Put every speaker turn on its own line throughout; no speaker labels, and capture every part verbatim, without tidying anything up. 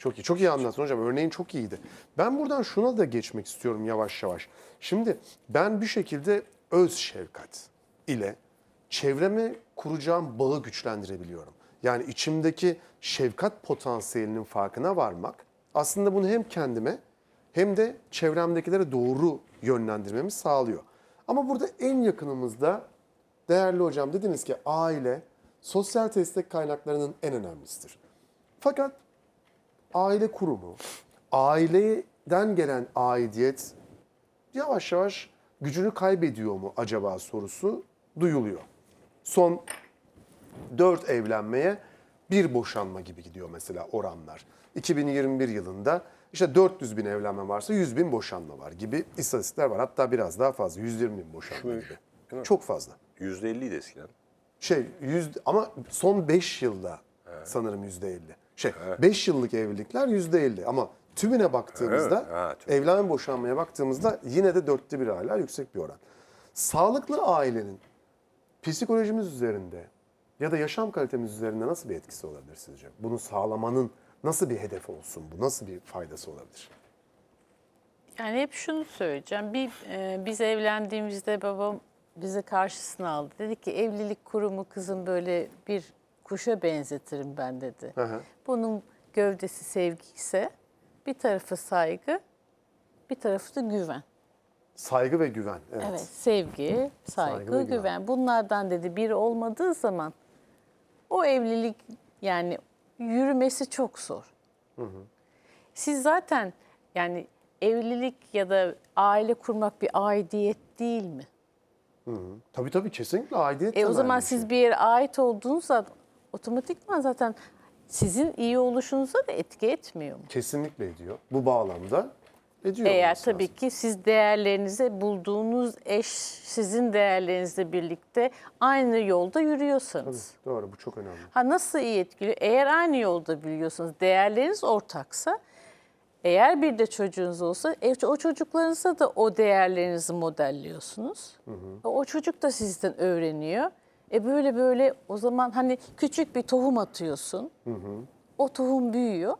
Çok iyi. Çok iyi anlattın hocam. Örneğin çok iyiydi. Ben buradan şuna da geçmek istiyorum yavaş yavaş. Şimdi ben bir şekilde öz şefkat ile çevreme kuracağım bağı güçlendirebiliyorum. Yani içimdeki şefkat potansiyelinin farkına varmak aslında bunu hem kendime hem de çevremdekilere doğru yönlendirmemi sağlıyor. Ama burada en yakınımızda değerli hocam dediniz ki aile sosyal destek kaynaklarının en önemlisidir. Fakat aile kurumu, aileden gelen aidiyet yavaş yavaş gücünü kaybediyor mu acaba sorusu duyuluyor. Son dört evlenmeye bir boşanma gibi gidiyor mesela oranlar. iki bin yirmi bir yılında işte dört yüz bin evlenme varsa yüz bin boşanma var gibi istatistikler var. Hatta biraz daha fazla yüz yirmi bin boşanma gibi. Çok fazla.
yüzde elliydi eskiden.
Şey yüz ama son beş yılda sanırım yüzde elli. Şey beş yıllık evlilikler yüzde elli ama tümüne baktığımızda
Evet, ha, tüm-
evlenme boşanmaya baktığımızda yine de dörtte bir hala yüksek bir oran. Sağlıklı ailenin psikolojimiz üzerinde ya da yaşam kalitemiz üzerinde nasıl bir etkisi olabilir sizce? Bunu sağlamanın nasıl bir hedefi olsun bu? Nasıl bir faydası olabilir?
Yani hep şunu söyleyeceğim. Bir, e, biz evlendiğimizde babam bizi karşısına aldı. Dedi ki evlilik kurumu kızım böyle bir kuşa benzetirim ben dedi.
Hı hı.
Bunun gövdesi sevgi ise bir tarafı saygı, bir tarafı da güven.
Saygı ve güven. Evet.
Evet, sevgi, saygı,
Saygı ve
güven.
güven.
Bunlardan dedi biri olmadığı zaman o evlilik yani yürümesi çok zor. Siz zaten yani evlilik ya da aile kurmak bir aidiyet değil mi?
Tabii tabii kesinlikle aidiyet
E o
temelli
zaman
bir
siz
şey.
bir yere ait olduğunuzda otomatikman zaten sizin iyi oluşunuza da etki etmiyor mu?
Kesinlikle ediyor. Bu bağlamda ediyor.
Eğer
olması
tabii
lazım.
ki siz değerlerinize bulduğunuz eş sizin değerlerinizle birlikte aynı yolda yürüyorsanız.
Tabii, doğru bu çok önemli.
Ha nasıl iyi etkiliyor? Eğer aynı yolda biliyorsanız, değerleriniz ortaksa, eğer bir de çocuğunuz olsa e, o çocuklarınıza da o değerlerinizi modelliyorsunuz. Hı hı. O çocuk da sizden öğreniyor. E böyle böyle o zaman hani küçük bir tohum atıyorsun. Hı hı. O tohum büyüyor.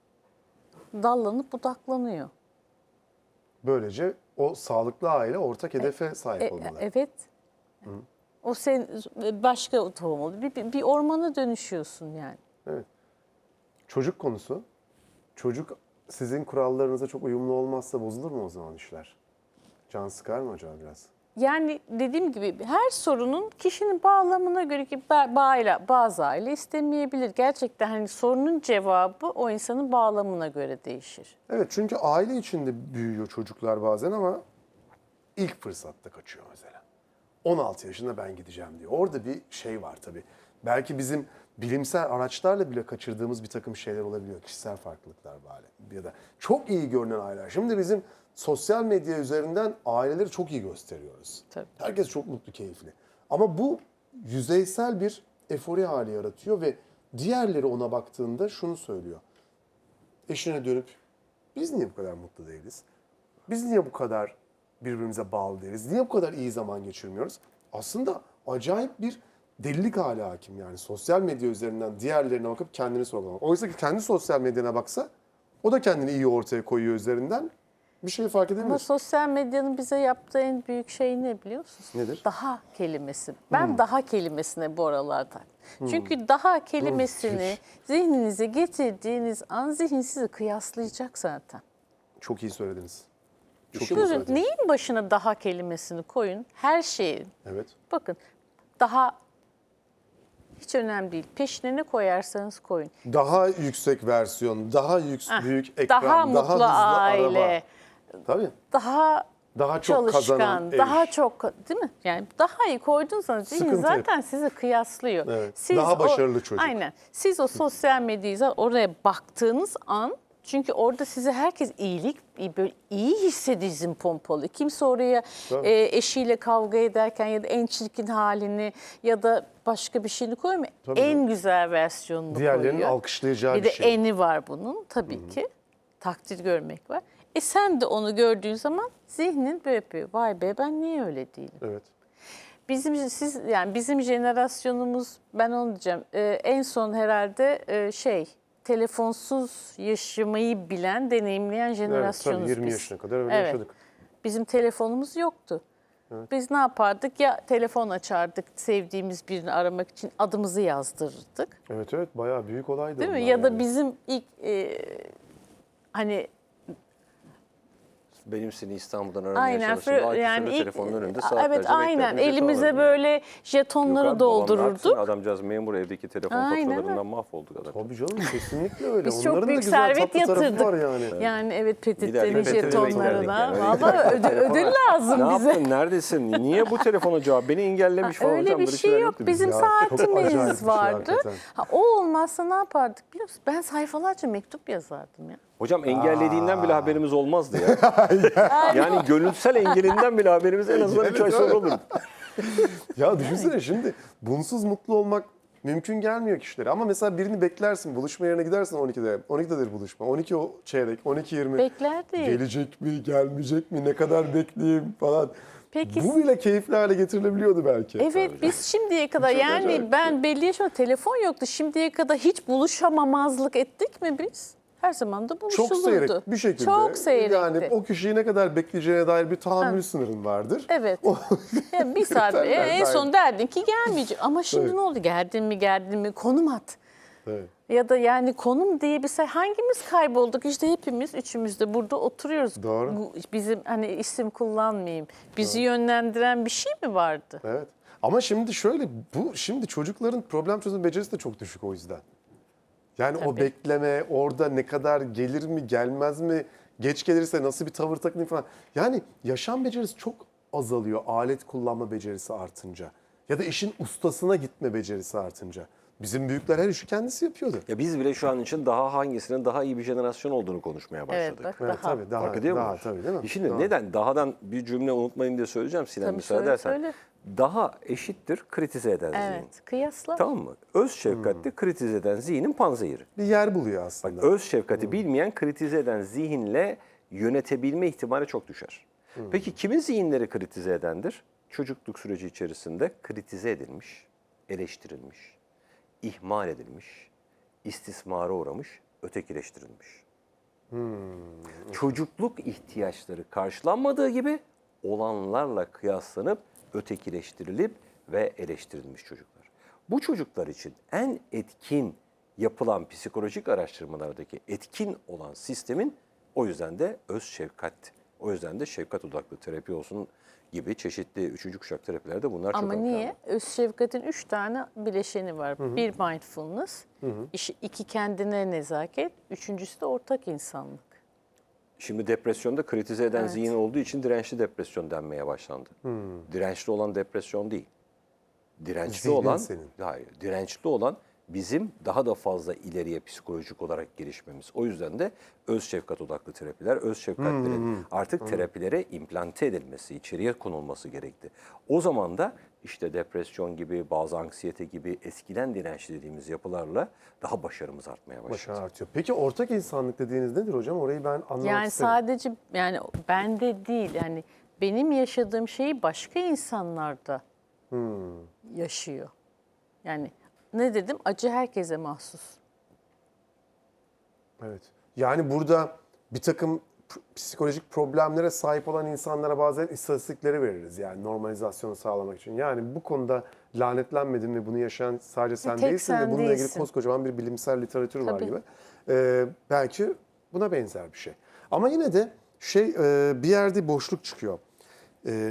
Dallanıp budaklanıyor.
Böylece o sağlıklı aile ortak hedefe sahip
E,
olmalı.
evet. Hı. O sen başka o tohum oluyor. Bir, bir, bir ormana dönüşüyorsun yani.
Evet. Çocuk konusu. Çocuk sizin kurallarınıza çok uyumlu olmazsa bozulur mu o zaman işler? Can sıkar mı acaba biraz?
Yani dediğim gibi her sorunun kişinin bağlamına göre ki ba- bazı aile istemeyebilir. Gerçekten hani sorunun cevabı o insanın bağlamına göre değişir.
Evet çünkü aile içinde büyüyor çocuklar bazen ama ilk fırsatta kaçıyor mesela. on altı yaşında ben gideceğim diyor. Orada bir şey var tabii. Belki bizim bilimsel araçlarla bile kaçırdığımız bir takım şeyler olabiliyor. Kişisel farklılıklar bari. Ya da çok iyi görünen aileler. Şimdi bizim sosyal medya üzerinden aileleri çok iyi gösteriyoruz.
Tabii.
Herkes çok mutlu, keyifli. Ama bu yüzeysel bir efori hali yaratıyor ve diğerleri ona baktığında şunu söylüyor. Eşine dönüp biz niye bu kadar mutlu değiliz? Biz niye bu kadar birbirimize bağlı değiliz? Niye bu kadar iyi zaman geçirmiyoruz? Aslında acayip bir delilik hali hakim yani. Sosyal medya üzerinden diğerlerine bakıp kendini sorgulamak. Oysa ki kendi sosyal medyana baksa o da kendini iyi ortaya koyuyor üzerinden. Bir şey fark edebilir.
Ama sosyal medyanın bize yaptığı en büyük şey ne biliyor musunuz?
Nedir?
Daha kelimesi. Ben daha kelimesine bu aralarda. Çünkü daha kelimesini zihninize getirdiğiniz an zihin sizi kıyaslayacak zaten.
Çok iyi söylediniz. Çok iyi
Buyurun,
söylediniz.
neyin başına daha kelimesini koyun? Her şeyin.
Evet.
Bakın daha hiç önemli değil. Peşine ne koyarsanız koyun.
Daha yüksek versiyon, daha yük,
Ah,
büyük ekran,
daha
daha,
mutlu
hızlı
aile,
araba. Tabii.
daha
Daha çok
çalışkan,
kazanan ev.
daha çok değil mi? Yani daha iyi koyduğunuz zihin
Sıkıntı
zaten sizi kıyaslıyor.
Evet,
Siz
daha başarılı
o,
çocuk.
Aynen. Siz o sosyal medyayı oraya baktığınız an çünkü orada size herkes iyilik, iyi- böyle iyi hissedizm pompalı. Kimse oraya
Tabii.
e, eşiyle kavga ederken ya da en çirkin halini ya da başka bir şeyini koymuyor.
Tabii
En
canım.
güzel versiyonunu
Diğerlerinin
koyuyor.
alkışlayacağı
bir
bir
de
şey.
eni var bunun tabii ki. Takdir görmek var. E sen de onu gördüğün zaman zihnin böyle yapıyor. Vay be ben niye öyle değilim?
Evet.
Bizim siz yani bizim jenerasyonumuz ben onu diyeceğim. e, en son herhalde e, şey telefonsuz yaşamayı bilen, deneyimleyen
Evet,
jenerasyonuz
tabii yirmi
biz.
yaşına kadar öyle
Evet.
yaşadık.
Bizim telefonumuz yoktu. Biz ne yapardık? Ya telefon açardık sevdiğimiz birini aramak için, adımızı yazdırırdık.
Evet evet, bayağı büyük olaydı.
Değil mi?
onlar
Ya da
yani.
bizim ilk e, hani
Benim seni İstanbul'dan aramaya
aynen
çalıştığımda
fır-
Akif'in
yani
de
ilk-
telefonun önünde saatlerce
evet aynen
beklerdim, ücret
elimize
alırdım.
böyle
Yok
jetonları
abi, babam ne yapsın?
doldururduk.
Adamcağız memur, evdeki telefon
Aynen
faturalarından mahvolduk adam.
Tabii canım, kesinlikle öyle.
Biz
Onların
çok
da
büyük
güzel
servet
tatlı tarafı
yatırdık.
var yani.
Yani evet
Giderdik,
petitlerin
petite
jetonlarına.
beklerdik yani.
Vallahi ödül, ödül lazım
Ne
bize.
yaptın? Neredesin? Niye bu telefona cevap? Beni engellemiş falan
Öyle
hocam.
bir
böyle
şey
şeyler
yok.
yoktu
Bizim
Ya, çok acayip bir
saatimiz
şey
vardı.
hakikaten.
Ha, o olmazsa ne yapardık biliyor musun? Ben sayfalarca mektup yazardım ya.
Hocam engellediğinden bile haberimiz olmazdı ya. Yani gönülsel engelinden bile haberimiz en azından üç ay sonra olurdu.
Ya düşünsene şimdi bunsuz mutlu olmak mümkün gelmiyor kişilere. Ama mesela birini beklersin, buluşma yerine gidersin on ikide. on ikidedir buluşma. on iki o çeyrek, on iki yirmi.
Beklerdik.
Gelecek mi, gelmeyecek mi, ne kadar bekleyeyim falan.
Peki-
Bu bile keyifli hale getirilebiliyordu belki.
Evet biz şimdiye kadar
Çok
yani
acayip.
ben belli yaşımda telefon yoktu. Şimdiye kadar hiç buluşamamazlık ettik mi biz? Her zaman da buluşulurdu.
Çok seyrek bir şekilde.
Çok seyrekti.
Yani o kişiyi ne kadar bekleyeceğine dair bir tahammül sınırın vardır.
Evet. Ya bir saat
Kriterler
en en
dahil.
son derdin ki gelmeyecek. Ama şimdi
Evet.
ne oldu? Geldin mi geldin mi konum at.
Evet.
Ya da yani konum diye bir şey hangimiz kaybolduk? İşte hepimiz üçümüz de burada oturuyoruz.
Doğru.
Bu- Bizim hani isim kullanmayayım. Bizi yönlendiren bir şey mi vardı?
Evet. Ama şimdi şöyle, bu şimdi çocukların problem çözüm becerisi de çok düşük o yüzden. Yani o
Tabii.
bekleme, orada ne kadar gelir mi, gelmez mi, geç gelirse nasıl bir tavır takınayım falan. Yani yaşam becerisi çok azalıyor alet kullanma becerisi artınca. Ya da işin ustasına gitme becerisi artınca. Bizim büyükler her işi kendisi yapıyordu.
Ya biz bile şu an için daha hangisinin daha iyi bir jenerasyon olduğunu konuşmaya başladık.
Evet bak
Evet,
daha.
tabii daha,
Fark ediyor
daha
musunuz?
tabii değil mi?
Şimdi
Daha.
neden? Dahadan bir cümle unutmayın diye söyleyeceğim Sinem,
Tabii,
müsaade
söyle,
edersen.
söyle.
Daha eşittir kritize eden zihin.
Evet kıyasla.
Tamam mı? Öz şefkatli kritize eden zihnin panzehiri.
Bir yer buluyor aslında.
Öz şefkati bilmeyen kritize eden zihinle yönetebilme ihtimali çok düşer. Peki kimin zihinleri kritize edendir? Çocukluk süreci içerisinde kritize edilmiş, eleştirilmiş, ihmal edilmiş, istismara uğramış, ötekileştirilmiş. Çocukluk ihtiyaçları karşılanmadığı gibi olanlarla kıyaslanıp ötekileştirilip ve eleştirilmiş çocuklar. Bu çocuklar için en etkin yapılan psikolojik araştırmalardaki etkin olan sistemin o yüzden de öz şefkat, o yüzden de şefkat odaklı terapi olsun gibi çeşitli üçüncü kuşak terapilerde bunlar çok
Ama
ön
niye?
planda.
Öz şefkatin üç tane bileşeni var. Bir mindfulness, iş- iki kendine nezaket, üçüncüsü de ortak insanlık.
Şimdi depresyonda kritize eden
Evet.
zihin olduğu için dirençli depresyon denmeye başlandı. Dirençli olan depresyon değil. Dirençli
Zihnin
olan,
senin.
hayır, dirençli olan bizim daha da fazla ileriye psikolojik olarak gelişmemiz. O yüzden de öz şefkat odaklı terapiler, öz şefkatlerin artık terapilere implante edilmesi, içeriye konulması gerekti. O zaman da işte depresyon gibi, bazı anksiyete gibi eskiden dirençli dediğimiz yapılarla daha başarımız artmaya başladı.
Başarı artıyor. Peki ortak insanlık dediğiniz nedir hocam? Orayı ben anlamak
Yani
isterim.
sadece yani bende değil yani benim yaşadığım şeyi başka insanlarda yaşıyor. Yani ne dedim? Acı herkese mahsus.
Evet. Yani burada bir takım p- psikolojik problemlere sahip olan insanlara bazen istatistikleri veririz. Yani normalizasyonu sağlamak için. Yani bu konuda lanetlenmedin ve bunu yaşayan sadece sen
tek
değilsin
sen
ve bununla ilgili
değilsin.
koskocaman bir bilimsel literatür var
Tabii.
gibi. Ee, belki buna benzer bir şey. Ama yine de şey e, bir yerde boşluk çıkıyor. Ee,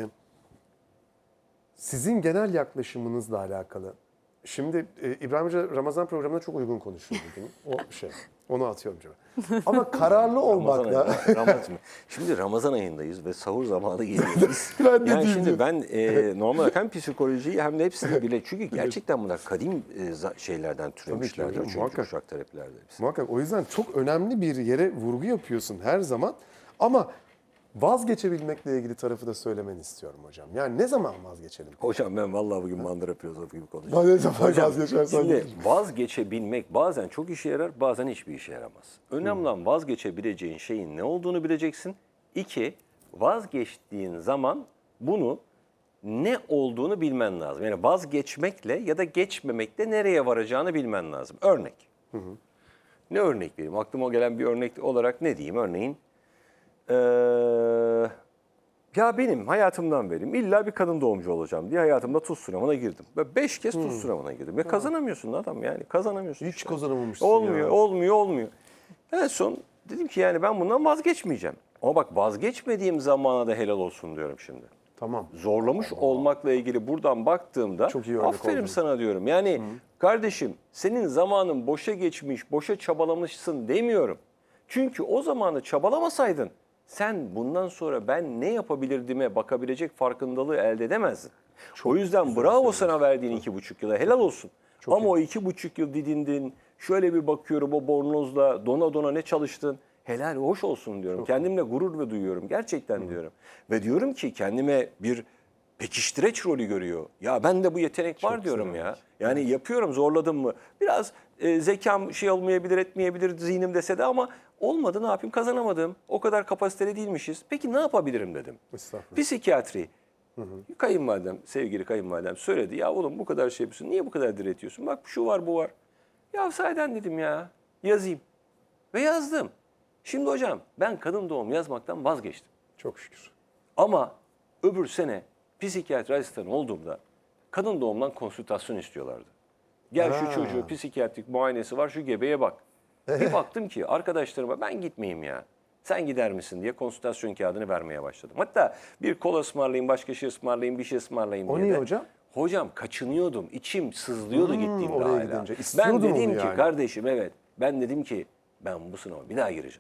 sizin genel yaklaşımınızla alakalı. Şimdi e, İbrahim Hoca Ramazan programına çok uygun konuşuyor bugün. O şey. Onu atıyorum cebe. Ama kararlı
Ramazan
olmakla...
ayı- Ramazan, şimdi Ramazan ayındayız ve sahur zamanı geliyoruz.
Ben de
yani
diyeyim
şimdi
diyorum.
ben e, normal hem psikolojiyi hem de hepsini bile çünkü gerçekten bunlar kadim e, za- şeylerden türemişlerdir.
hocam,
Üçüncü
muhakkak.
kuşak terapilerde hepsi.
Muhakkak o yüzden çok önemli bir yere vurgu yapıyorsun her zaman. Ama vazgeçebilmekle ilgili tarafı da söylemeni istiyorum hocam. Yani ne zaman vazgeçelim?
Hocam ben vallahi bugün mandıra filozofu gibi konuşuyorum.
Ben ne zaman
Hocam,
vazgeçersen
şimdi
geç.
vazgeçebilmek bazen çok işe yarar, bazen hiçbir işe yaramaz. Önemli olan vazgeçebileceğin şeyin ne olduğunu bileceksin. İki, vazgeçtiğin zaman bunu ne olduğunu bilmen lazım. Yani vazgeçmekle ya da geçmemekle nereye varacağını bilmen lazım. Örnek. Ne örnek vereyim? Aklıma gelen bir örnek olarak ne diyeyim? Örneğin ee, ya benim hayatımdan vereyim. İlla bir kadın doğumcu olacağım diye hayatımda tuz sınavına girdim. Ve beş kez tuz sınavına girdim. Ve kazanamıyorsun adam yani. Kazanamıyorsun.
Hiç
işte.
kazanamamışsın
Olmuyor,
ya.
olmuyor, olmuyor. En son dedim ki yani ben bundan vazgeçmeyeceğim. Ama bak vazgeçmediğim zamana da helal olsun diyorum şimdi.
Tamam.
Zorlamış olmakla ilgili buradan baktığımda
Çok iyi örnek
aferin
oldun.
sana diyorum. Yani kardeşim senin zamanın boşa geçmiş, boşa çabalamışsın demiyorum. Çünkü o zamanı çabalamasaydın sen bundan sonra ben ne yapabilirdime bakabilecek farkındalığı elde edemezdin. o yüzden bravo sana verdiğin iki buçuk yıla helal olsun. Ama
iyi.
o iki buçuk yıl didindin, şöyle bir bakıyorum o bornozla dona dona ne çalıştın. Helal hoş olsun diyorum. Kendimle gurur ve duyuyorum. Gerçekten diyorum. Ve diyorum ki kendime bir pekiştireç rolü görüyor. Ya ben de bu yetenek var diyorum ya. Yani yapıyorum zorladım mı? Biraz e, zekam şey olmayabilir etmeyebilir zihnim dese de ama olmadı ne yapayım kazanamadım. O kadar kapasiteli değilmişiz. Peki ne yapabilirim dedim.
Estağfurullah.
Psikiyatri. Kayınvalidem, sevgili kayınvalidem söyledi. Ya oğlum bu kadar şey yapıyorsun. Niye bu kadar diretiyorsun? Bak şu var bu var. Ya sahiden dedim ya yazayım. Ve yazdım. Şimdi hocam ben kadın doğum yazmaktan vazgeçtim.
Çok şükür.
Ama öbür sene psikiyatri asistanı olduğumda kadın doğumdan konsültasyon istiyorlardı. Gel
Ha.
şu çocuğu psikiyatrik muayenesi var şu gebeye bak. Bir baktım ki arkadaşlarıma ben gitmeyeyim ya. Sen gider misin diye konsültasyon kağıdını vermeye başladım. Hatta bir kola ısmarlayayım, başka şey ısmarlayayım, bir şey ısmarlayayım
O
diye
niye
de.
hocam?
Hocam kaçınıyordum, içim sızlıyordu
Hmm,
gittiğimde
oraya
hala.
gidince.
Ben
İstiyordun
dedim
onu
ki
yani.
kardeşim evet, ben dedim ki ben bu sınava bir daha gireceğim.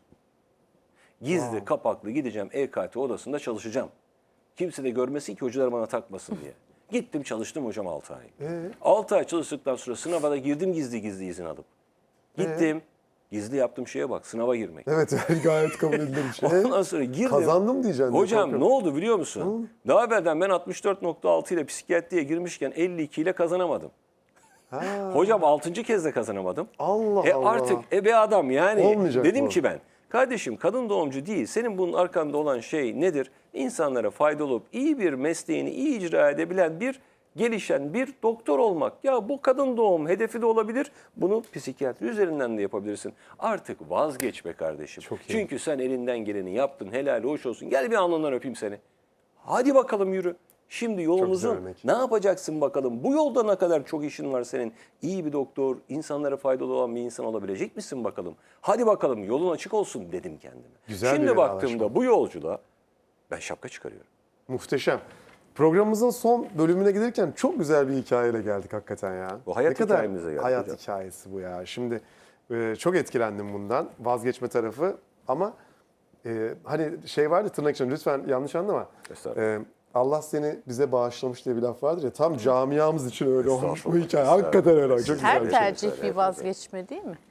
Gizli, kapaklı gideceğim E K T odasında çalışacağım. Kimse de görmesin ki hocalar bana takmasın diye. Gittim çalıştım hocam altı ay.
Ee?
altı ay çalıştıktan sonra sınava da girdim gizli gizli izin alıp. Gittim. Gizli yaptığım şeye bak sınava girmek.
Evet yani gayet kabul edilir bir şey.
Ondan sonra girdim.
Kazandım diyeceksin.
Hocam ne
korkuyorum.
oldu biliyor musun? Daha evvelden ben altmış dört nokta altı ile psikiyatriye girmişken elli iki ile kazanamadım.
Ha.
Hocam altıncı kez de kazanamadım.
Allah
E
Allah.
artık e be adam yani.
Olmayacak
Dedim
bu.
ki ben kardeşim kadın doğumcu değil. Senin bunun arkanda olan şey nedir? İnsanlara faydalı olup iyi bir mesleğini iyi icra edebilen bir gelişen bir doktor olmak. Ya bu kadın doğum hedefi de olabilir. Bunu psikiyatri üzerinden de yapabilirsin. Artık vazgeç be kardeşim.
Çok iyi.
Çünkü sen elinden geleni yaptın. Helal hoş olsun. Gel bir alnından öpeyim seni. Hadi bakalım yürü. Şimdi yolumuzun
örnek.
ne yapacaksın bakalım? Bu yolda ne kadar çok işin var senin? İyi bir doktor, insanlara faydalı olan bir insan olabilecek misin bakalım? Hadi bakalım yolun açık olsun dedim kendime.
Güzel bir
Şimdi baktığımda
vedalaşma.
bu yolculuğa ben şapka çıkarıyorum.
Muhteşem. Programımızın son bölümüne gelirken çok güzel bir hikayeyle geldik hakikaten ya.
Bu hayat
ne kadar
hikayemize geldik
hayat
hocam.
hikayesi bu ya. Şimdi e, çok etkilendim bundan. Vazgeçme tarafı ama e, hani şey vardı tırnak içinde lütfen yanlış anlama.
Estağfurullah.
E, Allah seni bize bağışlamış diye bir laf vardır ya tam camiamız için öyle olmuş bu
Estağfurullah,
hikaye.
estağfurullah.
Hakikaten öyle. Çok güzel
Her
bir şey.
tercih bir vazgeçme değil mi?